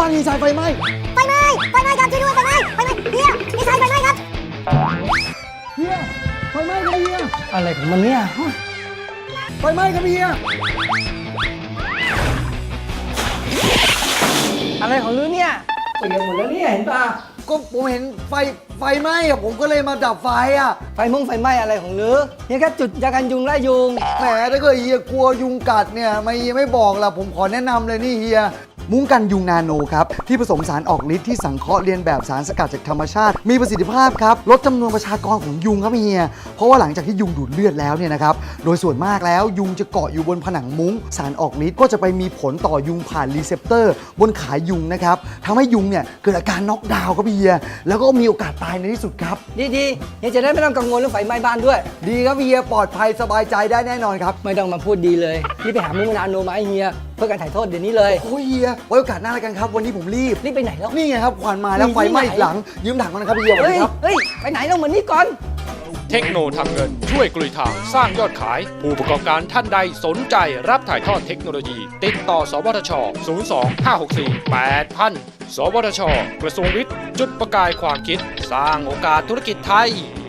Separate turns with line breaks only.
างดีไซน์ไฟไหม้
ครับช่วยด้วยไฟไหม้เฮียดีไซน์ไฟไหม้ครับ
เฮียไฟไหม้ครับเฮีย
อะไรของมันเนี่ย
ไฟไหม้ครับเฮีย
อะไรของลือเนี่ยเปียกหมดแล้วเนี่ยเห็นป่ะ
ก็ผมเห็นไฟไหม้อะผมก็เลยมาดับไฟอะ
ไฟไหม้อะไรของลือเนี่ยแค่จุดยากันยุงไล่ยุง
แหมถ้าเกิดเฮียกลัวยุงกัดเนี่ยไม่เฮียไม่บอกล่ะผมขอแนะนำเลยนี่เฮียมุ้งกันยุงนาโนครับที่ผสมสารออกฤทธิ์ที่สังเคราะห์เรียนแบบสารสกัดจากธรรมชาติมีประสิทธิภาพครับลดจำนวนประชากรของยุงครับเฮียเพราะว่าหลังจากที่ยุงดูดเลือดแล้วเนี่ยนะครับโดยส่วนมากแล้วยุงจะเกาะอยู่บนผนังมุ้งสารออกฤทธิ์ก็จะไปมีผลต่อยุงผ่านรีเซพเตอร์บนขายุงนะครับทำให้ยุงเนี่ยเกิดอาการน็อกดาวน์ครับเฮียแล้วก็มีโอกาสตายในที่สุดครับ
ดีเฮียจะได้ไม่ต้องกังวลเรื่องไฟไหม้บ้านด้วย
ดีครับเฮียปลอดภัยสบายใจได้แน่นอนครับ
ไม่ต้องมาพูดดีเลยรีบไปหามุ้งนาโนมาให้เฮียเพื่อการถ่ายโทษเดี๋ยวนี้เลย
โอ้ยเฮียไว้โอกาสหน้าแล้วกันครับวันนี้ผมรีบ
รีบไปไหนแล้ว
นี่ไงครับควันมาแล้วไฟไหม้อีกหลังยืมถังก่อนนะครับเฮียสวัสดีครับ
เฮ้ยไปไหนเราเหมือนนี่ก่อน
เทคโนทำเงินช่วยกลุยทางสร้างยอดขาย ผู้ประกอบการท่านใดสนใจรับถ่ายทอดเทคโนโลยี ติดต่อ สวทช 02-564-8000 สวทช กระทรวงวิทย์ จุดประกายความคิด สร้างโอกาสธุรกิจไทย